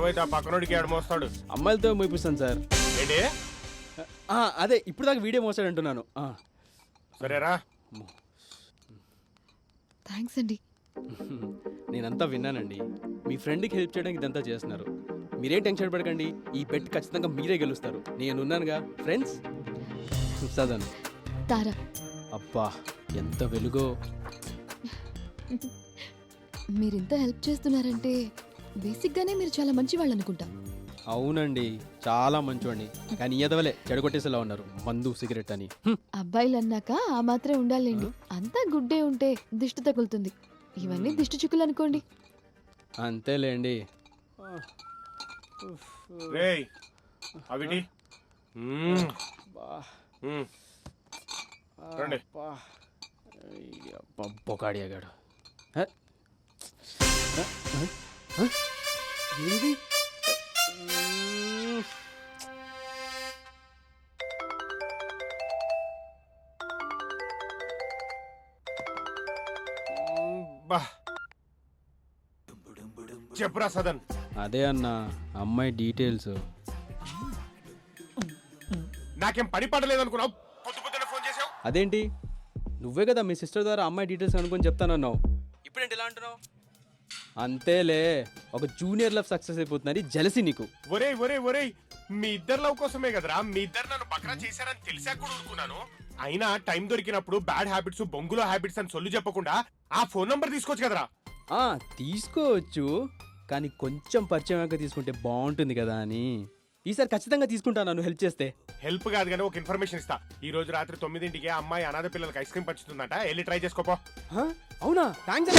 అయితే ఆ పక్కనోడికి ఏడమోస్తాడు. అమ్మాయిలతో మూపిస్తాను సార్. ఏంటి? అదే ఇప్పుడు దాకా వీడియో మోసాడు అంటున్నాను. సరేరా. థ్యాంక్స్ అండి. నేనంతా విన్నానండి. మీ ఫ్రెండ్కి హెల్ప్ చేయడానికి ఇదంతా చేస్తున్నారు. మీరేం టెన్షన్ పడకండి. ఈ బెట్ ఖచ్చితంగా మీరే గెలుస్తారు. నేనున్నానుగా ఫ్రెండ్స్. సదన్ తారా. అబ్బా ఎంత వెలుగో. మీరింత హెల్ప్ చేస్తున్నారంటే బేసిక్గానే మీరు చాలా మంచి వాళ్ళు అనుకుంటా. అవునండి చాలా మంచోండి. కానీ ఎదవలే చెడగొట్టేసేలా ఉన్నారు. మందు సిగరెట్ అని. అబ్బాయిలు అన్నాక ఆ మాత్రం ఉండాలండి. అంతా గుడ్డే ఉంటే దిష్టి తగులుతుంది. ఇవన్నీ దిష్టి చుక్కులు అనుకోండి. అంతేలేండి. రేయ్ అవిటి రండి. బొకాడియాగాడు. ఏది బా చెప్పురా సదన్. అదే అన్న అమ్మాయి డీటెయిల్స్. నాకేం పని పడలేదు అనుకున్నావు? పొద్దు పొద్దున ఫోన్ చేసావు. అదేంటి నువ్వే కదా మీ సిస్టర్ ద్వారా అమ్మాయి డీటెయిల్స్ అనుకొని చెప్తానన్నావు. ఇప్పుడేంటి ఎలా అంటున్నావు? అంతేలే ఒక జూనియర్ లవ్ సక్సెస్ అయిపోతుందని జలసి నీకు. ఒరేయ్ ఒరేయ్ ఒరేయ్, మీ ఇద్దరు లవ్ కోసమే కదరా. మీ ఇద్దరు నన్ను బక్రా చేశారని తెలిసాక కూడా ఊరుకున్నాను. అయినా టైం దొరికినప్పుడు బ్యాడ్ హ్యాబిట్స్ బొంగులో హ్యాబిట్స్ అని సొల్లు చెప్పకుండా ఆ ఫోన్ నంబర్ తీసుకోవచ్చు కదరా. తీసుకోవచ్చు కానీ కొంచెం పరిచయం అయ్యాక తీసుకుంటే బాగుంటుంది కదా అని. ఈసారి ఖచ్చితంగా తీసుకుంటాను నన్ను హెల్ప్ చేస్తే. హెల్ప్ కాదు కానీ ఒక ఇన్ఫర్మేషన్ ఇస్తా. ఈ రోజు రాత్రి 9ంటికి అమ్మాయి అనాథ పిల్లలకి ఐస్ క్రీమ్ పంచుతుందంట. వెళ్ళి ట్రై చేసుకోపో. అవునా? థ్యాంక్స్.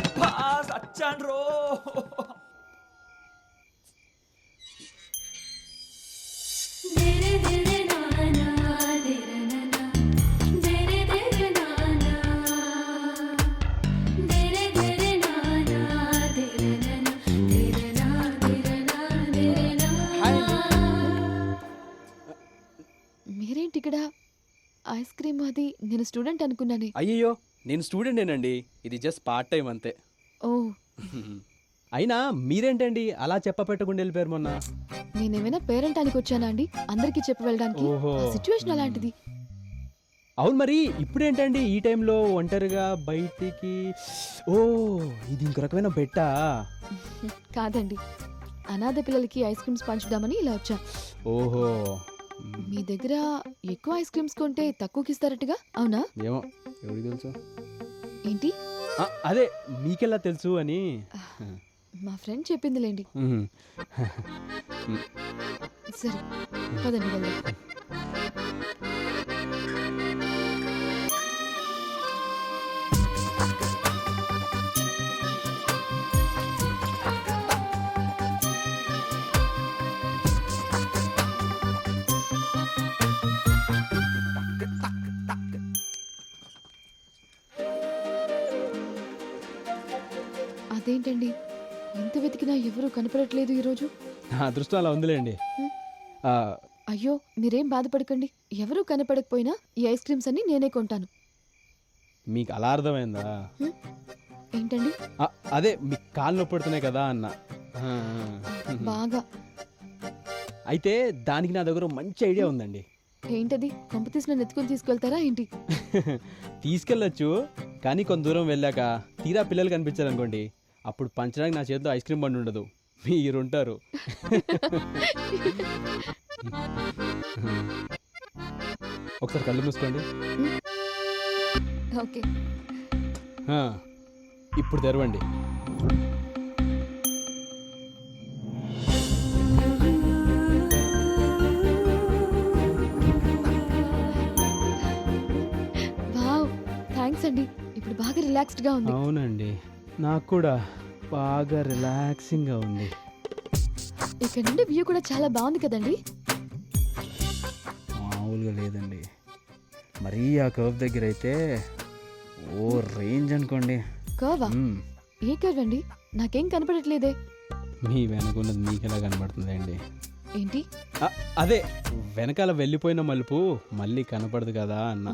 మీరేంటి ఇక్కడ? ఐస్ క్రీమ్ అది నేను స్టూడెంట్ అనుకున్నానే. అయ్యో నేను స్టూడెంటేనండి. ఇది జస్ట్ పార్ట్ టైం అంతే. ఓ అయినా మీరేంటండి అలా చెప్పపెట్టకుండా వెళ్ళిపోయారు మొన్న? నేనేమైనా పేరెంట్ అని వచ్చానా అండి అందరికి చెప్పి వెళ్ళడానికి? ఓహో. సిచ్యువేషన్ అలాంటిది. అవును మరి ఇప్పుడేంటండి ఈ టైంలో ఒంటరిగా బయటికి? ఓ ఇది ఇంకో రకమైన బెట్టా? కాదండి, అనాథ పిల్లలకి ఐస్ క్రీమ్స్ పంచుదామని ఇలా వచ్చా. ఓహో. మీ దగ్గర ఎక్కువ ఐస్ క్రీమ్స్ కొంటే తక్కువకి ఇస్తారట్టుగా, అవునా? ఏమో ఎవరికి తెలుసు. ఏంటి? అదే మీకెలా తెలుసు అని. మా ఫ్రెండ్ చెప్పిందిలేండి. సరే పదండి వెళ్దాం. అదేంటండి ఎంత వెతికినా ఎవరూ కనపడట్లేదు ఈరోజు? నా అదృష్టం అలా ఉందిలేండి. అయ్యో మీరేం బాధపడకండి. ఎవరూ కనపడకపోయినా ఈ ఐస్ క్రీమ్స్ అన్ని నేనే కొంటాను. మీకు అలా అర్థమైందా? ఏంటండి? అదే మీకు కాళ్ళు నొప్పి పడుతున్నాయి కదా అన్న. బాగా. అయితే దానికి నా దగ్గర మంచి ఐడియా ఉందండి. ఏంటది? కొంప తీసిన నెత్తుకొని తీసుకెళ్తారా ఏంటి? తీసుకెళ్ళచ్చు కానీ కొంత దూరం వెళ్ళాక తీరా పిల్లలు కనిపించారనుకోండి, అప్పుడు పంచడానికి నా చేతిలో ఐస్ క్రీమ్ బండి ఉండదు, మీరుంటారు. ఒకసారి కళ్ళు మూసుకోండి. ఓకే. ఇప్పుడు తెరవండి. వావ్ థ్యాంక్స్ అండి. ఇప్పుడు బాగా రిలాక్స్డ్ గా ఉంది. అవునండి నాకు కూడా బాగా రిలాక్సింగ్ గా ఉంది. ఇక్కడ నుండి వ్యూ కూడా చాలా బాగుంది కదండి? మామూలుగా లేదండి. మరీ ఆ కర్వ్ దగ్గర అయితే ఓ రేంజ్ అనుకోండి. కర్వా? ఏ కర్వ్ అండి? నాకేం కనపడట్లేదే. మీ వెనకున్నది మీకెలా కనబడుతుంది అండి? ఏంటి? అదే వెనకాల వెళ్ళిపోయిన మలుపు మళ్ళీ కనపడదు కదా అన్న.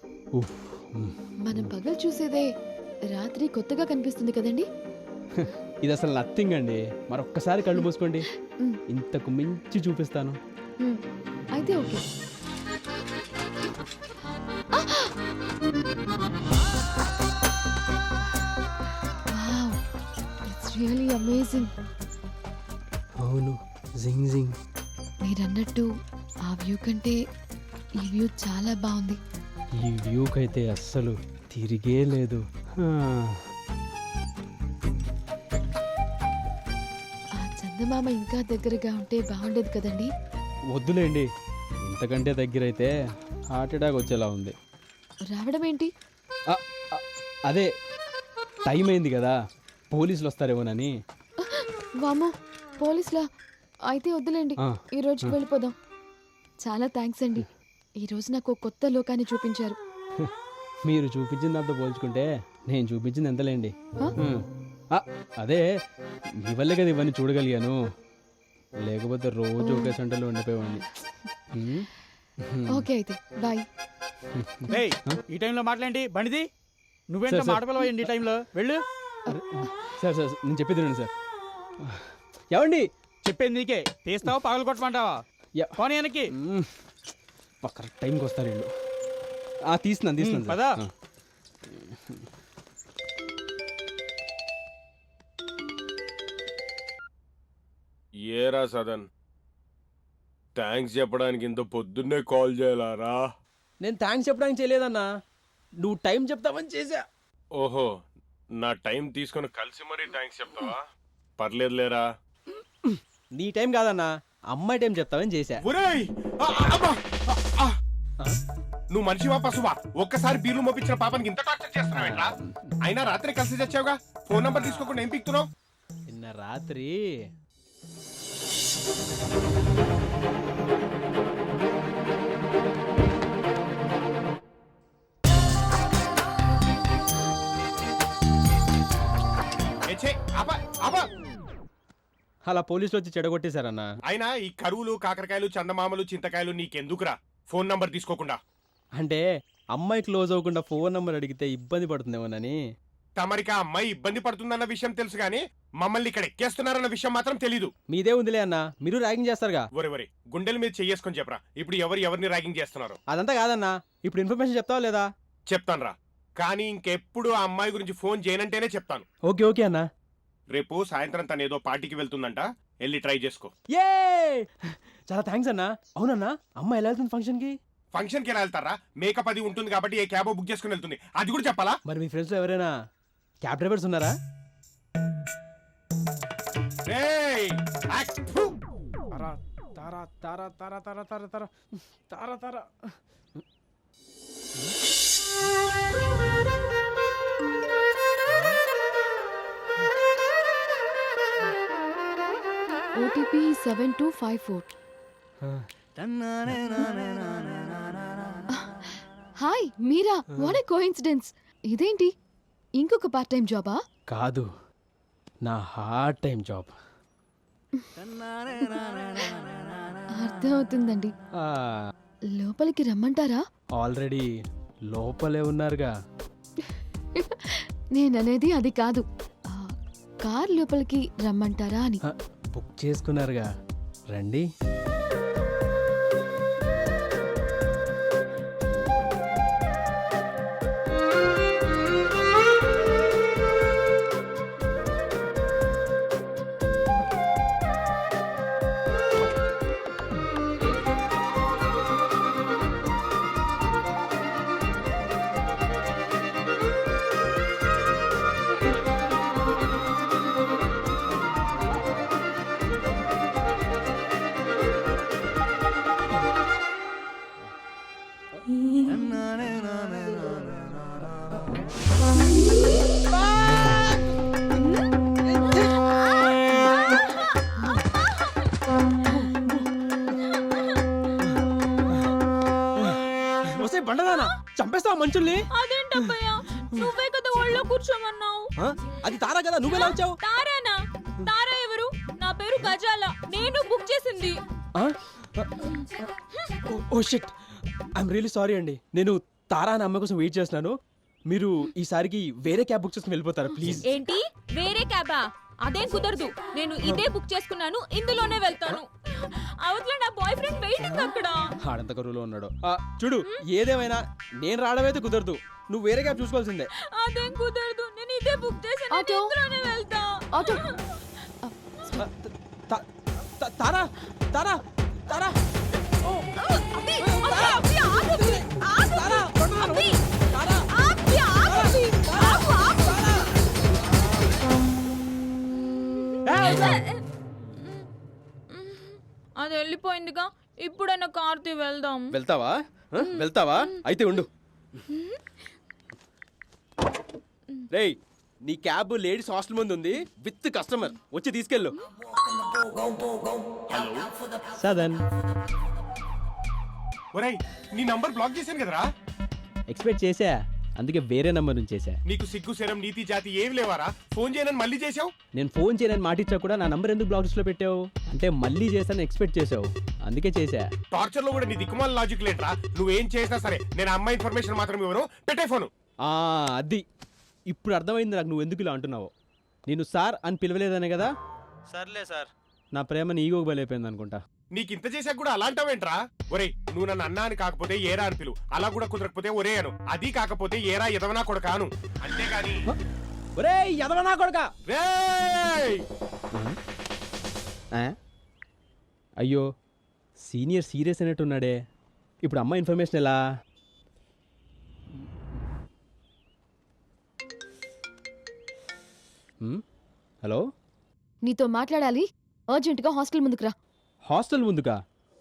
మనం పగలు చూసేదే రాత్రి కొత్తగా కనిపిస్తుంది కదండి? ఇది అసలు నథింగ్ అండి. మరొక్కసారి కళ్ళు మూసుకోండి, మ్, ఇంతకు మించి చూపిస్తాను. మ్. అయితే okay. Wow, it's really amazing. అవును, జింగ్ జింగ్. మీరన్నట్టు ఆ వ్యూ కంటే ఈ వ్యూ చాలా బాగుంది. ఈ వ్యూకైతే అస్సలు తిరిగే లేదు. ఆ చందమామ ఇంకా దగ్గరగా ఉంటే బాగుండేది కదండి. వద్దులేండి, ఇంతకంటే దగ్గరైతే హార్ట్ అటాక్ వచ్చేలా ఉంది. రావడం ఏంటి? ఆ, ఆ, అదే టైం అయింది కదా, పోలీసులు వస్తారేమోనని. వామో, పోలీసులా? అయితే వద్దులేండి, ఆ, ఈ రోజుకి వెళ్ళిపోదాం. చాలా థ్యాంక్స్ అండి, ఈ రోజు నాకు ఒక కొత్త లోకాన్ని చూపించారు. మీరు చూపించిన దాంతో పోల్చుకుంటే నేను చూపించింది ఎంతలేండి. ఆ? ఆ, అదే మీ వల్లే కదా ఇవన్నీ చూడగలిగాను, లేకపోతే రోజు ఒకే సెంటర్లో ఉండిపోయేవాడిని. ఓకే అయితే బాయ్. ఏయ్, ఈ టైంలో మాట్లాడి బండిది నువ్వేంట సార్, సార్. మాట పిలవండి ఈ టైంలో వెళ్ళు. సార్ సార్ నేను చెప్పేది వినండి సార్. ఏమండి? చెప్పేది నీకే, తీస్తావా పగలు కొట్టమంటావా? యా. పోనీ వెనక్కి కరెక్ట్ టైంకి వస్తారు వీళ్ళు. తీస్తున్నాను తీస్తున్నాను పదా. సార్. ఏరా సదన్, థ్యాంక్స్ చెప్పడానికి ఇంత పొద్దున్నే కాల్ చేయాలారా? నేను థ్యాంక్స్ చెప్పడానికి చేయలేదన్నా, నువ్వు టైం చెప్తావని చేసా. ఓహో, నా టైం తీసుకొని కలిసి మరీ థ్యాంక్స్ చెప్తావా? పర్లేదులేరా. నీ టైం కాదన్నా, అమ్మాయి టైం చెప్తావని చేసా. ఒరేయ్! అబ్బా! నువ్వు మనిషివా పశువా? ఒక్కసారి బీర్లు మోపించిన పాపానికి ఇంత టార్చర్ చేస్తున్నావేంట్రా? అయినా రాత్రి కలిసి తెచ్చావుగా, ఫోన్ నంబర్ తీసుకోకుండా ఏం పీక్తున్నావు? నిన్న రాత్రి ఏ ఛే, ఆపా, ఆపా! అలా పోలీసులు వచ్చి చెడగొట్టేశారన్నా. అయినా ఈ కరువులు, కాకరకాయలు, చందమామలు, చింతకాయలు నీకెందుకురా? ఫోన్ నంబర్ తీసుకోకుండా అంటే అమ్మాయి క్లోజ్ అవ్వకుండా ఫోన్ నంబర్ అడిగితే ఇబ్బంది పడుతుందేమోనని. తమరికి ఆ అమ్మాయి ఇబ్బంది పడుతుందన్న విషయం తెలుసు గానీ మమ్మల్ని ఇక్కడ ఎక్కేస్తున్నారన్న విషయం మాత్రం తెలీదు. మీదే ఉందిలే అన్నా, మీరు ర్యాగింగ్ చేస్తారుగా. ఒరే గుండెల మీద చెయ్యేసుకొని చెప్పరా, ఇప్పుడు ఎవరిని ర్యాగింగ్ చేస్తున్నారు? అదంతా కాదన్నా, ఇప్పుడు ఇన్ఫర్మేషన్ చెప్తావా లేదా? చెప్తానురా, కానీ ఇంకెప్పుడు ఆ అమ్మాయి గురించి ఫోన్ చేయనంటేనే చెప్తాను. ఓకే ఓకే అన్నా. రేపు సాయంత్రం తను ఏదో పార్టీకి వెళ్తుందంట, వెళ్ళి ట్రై చేసుకో. ఏ చాలా థ్యాంక్స్ అన్నా. అవునన్నా, అమ్మాయి ఎలా వెళ్తుంది ఫంక్షన్కి? ఫంక్షన్కి ఎలా వెళ్తారా? మేకప్ అది ఉంటుంది కాబట్టి ఏ క్యాబో బుక్ చేసుకుని వెళ్తుంది, అది కూడా చెప్పాలా? మరి మీ ఫ్రెండ్స్లో ఎవరైనా క్యాబ్ డ్రైవర్స్ ఉన్నారా? రేయ్! యాక్! ఫు! Tara Tara Tara Tara Tara Tara Tara Tara Tara. OTP 7254. Hi Meera, what a coincidence. ఇదేంటి, ఇంకొక పార్ట్ టైం జాబా? కాదు, నా హార్ట్ టైం జాబ్. అర్థమవుతుందండి. లోపలికి రమ్మంటారా? ఆల్రెడీ లోపలే ఉన్నారుగా. నేననేది అది కాదు, కార్ లోపలికి రమ్మంటారా అని. బుక్ చేసుకున్నారుగా, రండి. వస్తే బండదానా చంపేస్తావా మనుషుల్ని? అదేంటబ్బయ్యా, నువ్వే కదా ఒళ్ళో కూర్చోమన్నావు. అది తారా కదా, నువ్వెలా వచ్చావు? తారానా? తారా ఎవరు? నా పేరు గజాల, నేను బుక్ చేసింది. Oh shit, I'm really sorry అండి. నేను తారా అనే అమ్మాయి కోసం వెయిట్ చేస్తున్నాను. మీరు ఈసారికి వేరే క్యాబ్ బుక్ చేసుకుని వెళ్ళిపోతారా ప్లీజ్? ఏంటి వేరే క్యాబా? అదేం కుదరదు. నేను ఇదే బుక్ చేసుకున్నాను, ఇందులోనే వెళ్తాను. అవతల నా బాయ్ ఫ్రెండ్ వెయిటింగ్ అక్కడ. ఆడంత కరువులో ఉన్నాడు. చూడు, ఏదేమైనా నేను రావడమైతే కుదరదు. నువ్వు వేరే క్యాబ్ చూసుకోవాల్సిందే. అదేం కుదరదు, నేను ఇదే బుక్ చేశాను, ఆటో. ఇందులోనే వెళ్తా. ఆటో తారా తారా తారా అబ్బి, అబ్బి, ఆగు, ఆగు. తారా అబ్బి, అబ్బి, ఆగు, అబ్బి. ఆగు, ఆగు. అది వెళ్ళిపోయిందిగా, ఇప్పుడైనా కార్తీ వెళ్దాం. వెళ్తావా? వెళ్తావా? అయితే ఉండు. రేయ్, నీ క్యాబ్ లేడీస్ హాస్టల్ ముందు ఉంది, విత్ కస్టమర్. వచ్చి తీసుకెళ్ళు. సదన్ ఒరేయ్, నీ నంబర్ బ్లాక్ చేశాను కదరా. ఎక్స్పెక్ట్ చేశా, అందుకే వేరే నంబర్ నుంచి చేశా. నీకు సిగ్గు శరం నీతి జాతి ఏమి లేవారా? ఫోన్ చేయనని మళ్ళీ చేసావు. నేను ఫోన్ చేయనని మాటిచ్చా కూడా నా నంబర్ ఎందుకు బ్లాక్ లిస్ట్లో పెట్టావు? అంటే మళ్ళీ చేశాను ఎక్స్పెక్ట్ చేసావు, అందుకే చేశా. టార్చర్ లో కూడా నీ దిక్కుమాల లాజిక్ లేట్రా. నువ్వేం చేసినా సరే నేను అమ్మాయి ఇన్ఫర్మేషన్ మాత్రం ఇవ్వను. పెట్టే ఫోను. అది ఇప్పుడు అర్థమైంది నాకు, నువ్వు ఎందుకు ఇలా అంటున్నావు. నేను సార్ అని పిలవలేదనే కదా. సర్లే సార్, నా ప్రేమ నీ ఈగోకి బలైపోయింది అనుకుంటా. నీకు ఇంత చేశాక కూడా అలాంటావేంట్రా? ఒరేయ్, నువ్వు నన్ను అన్నా అని కాకపోతే ఏరా అని పిలువు. అలా కూడా కుదరకపోతే ఒరే అను. అది కాకపోతే ఏరా ఎదవనా కొడకా అను. అంతేగాని ఒరేయ్ ఎదవనా కొడుకా. రేయ్! అయ్యో, సీనియర్ సీరియస్ అనేట్టున్నాడే. ఇప్పుడు అమ్మ ఇన్ఫర్మేషన్ ఎలా? హలో, నీతో మాట్లాడాలి. అర్జెంటుగా హాస్టల్ ముందుకు రా. హాస్టల్ ముందుకా?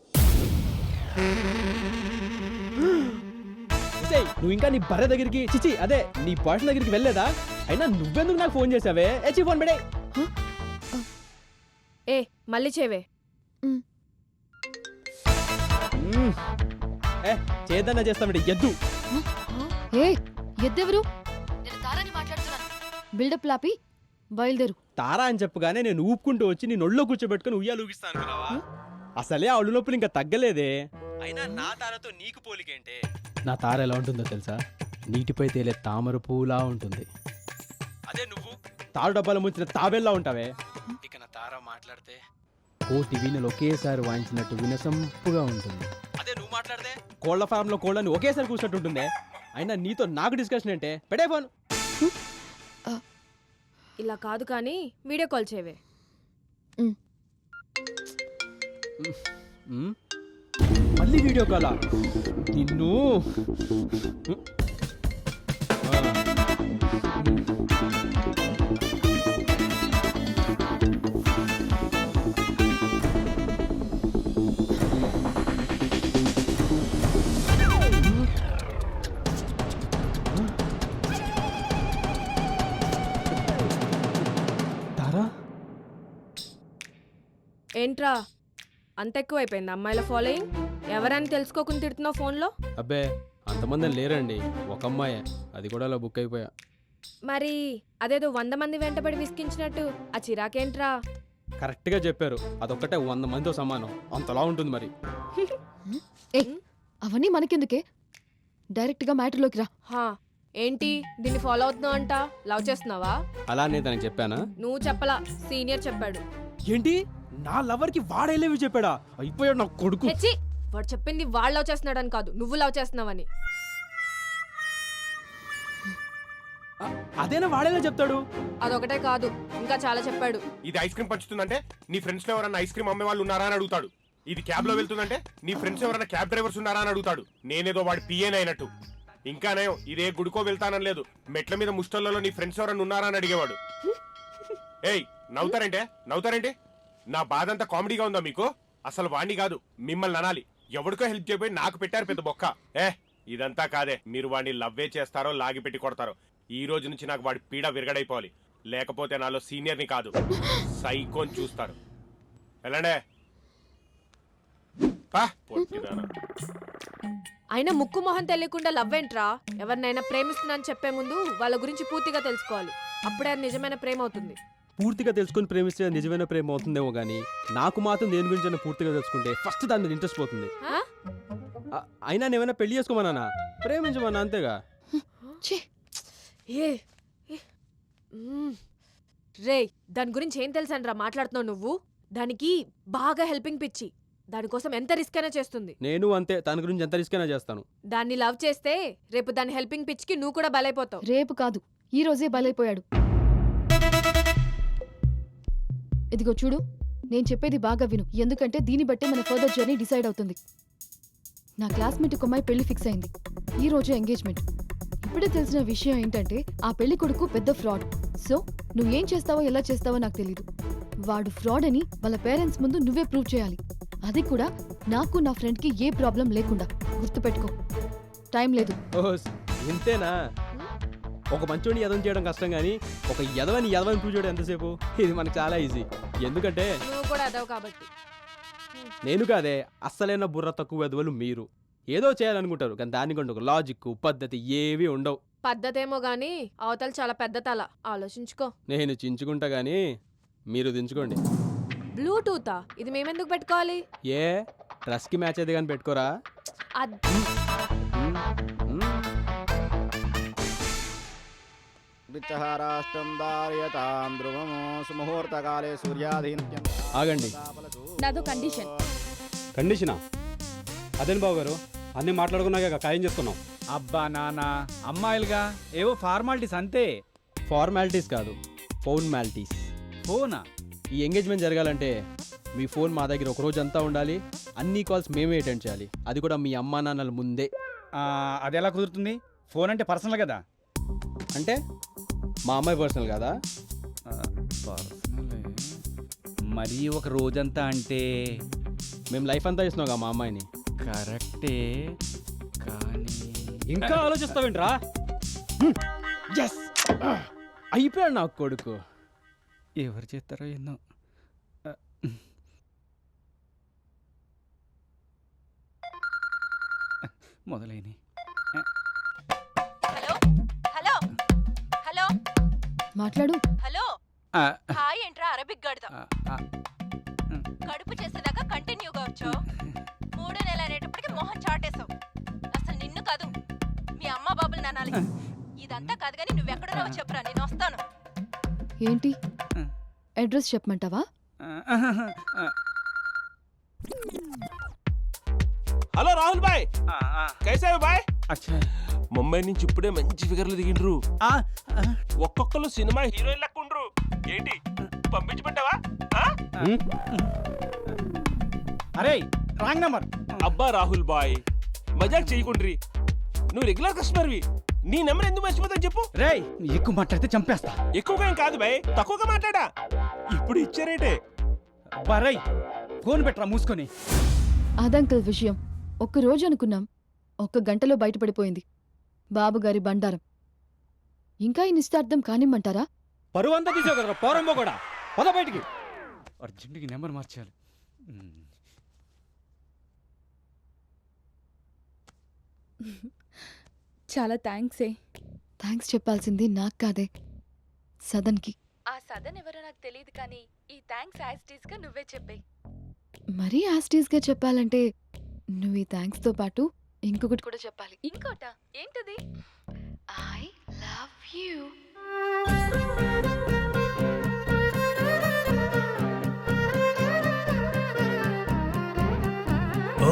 విజయ్, నువ్వు ఇంకా నీ భర్య దగ్గరికి, చిచి అదే నీ బాయ్ దగ్గరికి వెళ్ళలేదా? అయినా నువ్వెందుకు నాకు ఫోన్ చేసావే? ఏచి ఫోన్ పెడే. ఏ మళ్ళీ చేవే. చేద్దన్నా చేస్తామంటే ఎద్దు. ఏ ఎద్దెవరు? నేను తారాని మాట్లాడుతున్నాను. బిల్డప్ లాపి బయలుదేరు. తారా అని చెప్పగానే నేను ఊపుకుంటూ వచ్చి నీ నొళ్ళో కూర్చోబెట్టుకుని ఉయ్యాలు ఊగిస్తాను అనుకున్నావా? అసలే ఆ ఒళ్ళు నొప్పులు ఇంకా తగ్గలేదే. అయినా నా తారతో నీకు పోలికేంటే? నా తార ఎలా ఉంటుందో తెలుసా? నీటిపై తేలే తామర పూలా ఉంటుంది. అదే నువ్వు తారు డబ్బాలు ముంచిన తాబేల్లా ఉంటావే. ఇక నా తార మాట్లాడితే కోటి వీణలు ఒకేసారి వాయించినట్టు వినసంపుగా ఉంటుంది. అదే నువ్వు మాట్లాడితే కోళ్ల ఫామ్ లో కోళ్ళని ఒకేసారి కూర్చున్నట్టు ఉంటుందే. అయినా నీతో నాకు డిస్కషన్ అంటే పెడే ఫోన్. ఇలా కాదు కానీ వీడియో కాల్ చేవే. మళ్ళీ వీడియో కాలా? నిన్ను తారా, ఏంట్రా అంత ఎక్కువైపోయింది అమ్మాయిల ఫాలోయింగ్? ఎవరని తెలుసుకోకుండా తిడుతున్నావు ఫోన్లో? అబ్బే అంతమంది లేరండి, ఒక అమ్మాయే, అది కూడా అలా బుక్ అయిపోయా. మరి అదేదో 100 మంది వెంటబడి విసిగించినట్టు ఆ చిరాకేంట్రా? కరెక్ట్గా చెప్పారు, అదొక్కటే 100 మందితో సమానం, అంతలా ఉంటుంది మరి. ఏ అవన్నీ మనకెందుకే, డైరెక్ట్గా మ్యాటర్లోకి రా. హా ఏంటి దీన్ని ఫాలో అవుతున్నావు అంట? లవ్ చేస్తున్నావా? అలా నేను తనకి చెప్పానా? నువ్వు చెప్పలా, సీనియర్ చెప్పాడు. ఏంటి, నా లవర్కి వాడేలేవి చెప్పాడా? అయిపోయాడు నా కొడుకు. హెచ్చి, వాడు చెప్పింది వాడు లవ్ చేస్తున్నాడని కాదు, నువ్వు లవ్ చేస్తున్నావని. అదేనా వాడేలా చెప్తాడు? అదొకటే కాదు, ఇంకా చాలా చెప్పాడు. ఇది ఐస్ క్రీమ్ పంచుతుందంటే నీ ఫ్రెండ్స్ లో ఎవరైనా ఐస్ క్రీమ్ అమ్మే వాళ్ళు ఉన్నారా అని అడుగుతాడు. ఇది క్యాబ్ లో వెళ్తుందంటే నీ ఫ్రెండ్స్ ఎవరైనా క్యాబ్ డ్రైవర్స్ ఉన్నారా అని అడుగుతాడు. నేనేదో వాడి పిఏన్ అయినట్టు. ఇంకానే ఇదే గుడికో వెళ్తానని లేదు, మెట్ల మీద ముష్టల్లో నీ ఫ్రెండ్స్ ఎవరైనా ఉన్నారా అని అడిగేవాడు. ఏయ్ నవ్వుతారేంటి? నా బాధ అంతా కామెడీగా ఉందా మీకు? అసలు వాణ్ణి కాదు మిమ్మల్ని అనాలి. ఎవరికో హెల్ప్ చేయబోయి నాకు పెట్టారు పెద్ద బొక్క. ఇదంతా కాదే, మీరు వాడిని లవ్వే చేస్తారో లాగి పెట్టి కొడతారో. ఈ రోజు నుంచి నాకు వాడి పీడ విరగడైపోవాలి, లేకపోతే నాలో సీనియర్ని కాదు సైకోని చూస్తారు. వెళ్ళండే. అయినా ముక్కు మొహం తెలియకుండా లవ్ ఏంట్రా? ఎవరినైనా ప్రేమిస్తున్నానని చెప్పే ముందు వాళ్ళ గురించి పూర్తిగా తెలుసుకోవాలి, అప్పుడే అది నిజమైన ప్రేమ అవుతుంది. పూర్తిగా తెలుసుకుని ప్రేమిస్తే నిజమైన ప్రేమ అవుతుందేమో కానీ నాకు మాత్రం దేని గురించి పూర్తిగా తెలుసుకుంటే ఫస్ట్ దాని మీద ఇంట్రెస్ట్ పోతుంది. అయినా నేమైనా పెళ్లి చేసుకోమన్నా, ప్రేమించమన్నా, అంతేగా. రే దాని గురించి ఏం తెలుసనరా మాట్లాడుతున్నావు నువ్వు? దానికి బాగా హెల్పింగ్ పిచ్చి. దానికోసం ఎంత రిస్క్ అయినా చేస్తుంది. నేను అంతే, దాని గురించి ఎంత రిస్క్ అయినా చేస్తాను. దాన్ని లవ్ చేస్తే రేపు దాని హెల్పింగ్ పిచ్చికి నువ్వు కూడా బలైపోతావు. రేపు కాదు, ఈ రోజే బలైపోయాడు. ఇదిగో చూడు, నేను చెప్పేది బాగా విను, ఎందుకంటే దీన్ని బట్టే మన ఫర్దర్ జర్నీ డిసైడ్ అవుతుంది. నా క్లాస్మేట్ ఒక అమ్మాయి పెళ్లి ఫిక్స్ అయింది. ఈ రోజు ఎంగేజ్మెంట్. ఇప్పుడే తెలిసిన విషయం ఏంటంటే ఆ పెళ్లి కొడుకు పెద్ద ఫ్రాడ్. సో నువ్వేం చేస్తావో ఎలా చేస్తావో నాకు తెలీదు. వాడు ఫ్రాడ్ అని వాళ్ళ పేరెంట్స్ ముందు నువ్వే ప్రూవ్ చేయాలి. అది కూడా నాకు నా ఫ్రెండ్కి ఏ ప్రాబ్లం లేకుండా. గుర్తుపెట్టుకో, టైం లేదు. ఓస్ ఇంతేనా? ఒక మంచోడిని యదవం చేయడం కష్టం, కానీ ఒక యదవని ప్రూవ్ చేయడం ఎంతసేపు? ఇది మనకు చాలా ఈజీ. ఎందుకంటే నువ్వు కూడా అదవు కాబట్టి. నేను కాదే, అస్సలైన బుర్ర తక్కువ యదవలు మీరు. ఏదో చేయాలనుకుంటారు, కానీ దానికంటే ఒక లాజిక్ పద్ధతి ఏవి ఉండవు. పద్ధతేమో గానీ అవతల చాలా పెద్ద తల. ఆలోచించుకో. నేను చించుకుంటా గానీ మీరు దించుకోండి. బ్లూటూతా? ఇది మేమెందుకు పెట్టుకోవాలి? ఏ డ్రెస్కి మ్యాచ్ అయితే కానీ పెట్టుకోరా? విచ్చహారాష్ట్రం దార్యతాం ధ్రువము సుముహూర్తకాలే సూర్యాధీన్యం. ఆగండి. నాదో కండిషన్. కండిషనా? అదేం బాబు గారు, అన్నీ మాట్లాడుకున్నాక ఖాయం చేసుకున్నాం. అబ్బా నాన్న, అమ్మాయిలుగా ఏవో ఫార్మాలిటీస్ అంతే. ఫార్మాలిటీస్ కాదు, ఫోన్ మాలిటీస్. ఫోనా? ఈ ఎంగేజ్మెంట్ జరగాలంటే మీ ఫోన్ మా దగ్గర ఒక రోజు అంతా ఉండాలి. అన్ని కాల్స్ మేమే అటెండ్ చేయాలి, అది కూడా మీ అమ్మా నాన్నల ముందే. అది ఎలా కుదురుతుంది? ఫోన్ అంటే పర్సనల్ కదా. అంటే మా అమ్మాయి పర్సనల్ కదా? మరీ ఒక రోజంతా అంటే మేము లైఫ్ అంతా ఇస్తున్నాం మా అమ్మాయిని. కరెక్టే, కానీ ఇంకా ఆలోచిస్తావేంట్రా? ఎస్, అయిపోయాడు నా కొడుకు. ఎవరు చేస్తారో ఎన్నో. మొదలైనవి. హలో హలో హలో మాట్లాడు. హలో. హాయ్ ఏంట్రా అరబిక్ గడతా. కడుపు చేసేదాకా కంటిన్యూగా వచ్చావు. 3వ నెల అనేటప్పటికి మొహం చాటేశావు. అసలు నిన్ను కాదు, మీ అమ్మ బాబులు నానాలి. ఇదంతా కాదు కానీ నువ్వెక్కడున్నావో చెప్పురా, నేను వస్తాను. ఏంటి అడ్రస్ చెప్పమంటావా? హలో రాహుల్ బాయ్, కైసా బాయ్? అచ్చా, ముంబై నుంచి ఇప్పుడే మంచి ఫిగర్లు దిగిండ్రు. ఒక్కొక్కరు సినిమా హీరోయిన్ లెక్క ఉండ్రు. ఏంటి పంపించమంటావా? అరే రాంగ్ నంబర్. అబ్బా రాహుల్ బాయ్, మజాక్ చేయకుండ్రి. నువ్వు రెగ్యులర్ కస్టమర్వి, నీ నెంబర్ ఎందుకు మర్చిపోతాను చెప్పు. రేయ్, ఎక్కువ మాట్లాడితే చంపేస్తా. ఎక్కువగా ఏం కాదు బాయ్, తక్కువగా మాట్లాడా. ఇప్పుడు ఇచ్చారేటే. బరై ఫోన్ పెట్టరా మూసుకొని. అదంకల్ విషయం ఒక్కరోజు అనుకున్నాం, 1 గంటలో బయటపడిపోయింది. బాబుగారి బండారం. ఇంకా ఈ నిశ్చార్థం కానిమ్మంటారా? పరువు అంతా తీసావు కదరా పోరంబో కూడా. పద బయటికి. అర్జెంట్గా నెంబర్ మార్చాలి. చాలా థ్యాంక్స్. థ్యాంక్స్ చెప్పాల్సింది నాకు కాదే, సదన్కి. ఆ సదన్ ఎవరో నాకు తెలియదు, కానీ ఈ థ్యాంక్స్ యాజ్ గా నువ్వే చెప్పే. మరీ యాస్టీస్గా చెప్పాలంటే నువ్వు ఈ థ్యాంక్స్తో పాటు ఇంకొకటి కూడా చెప్పాలి. ఇంకోట ఏంటది? I love you.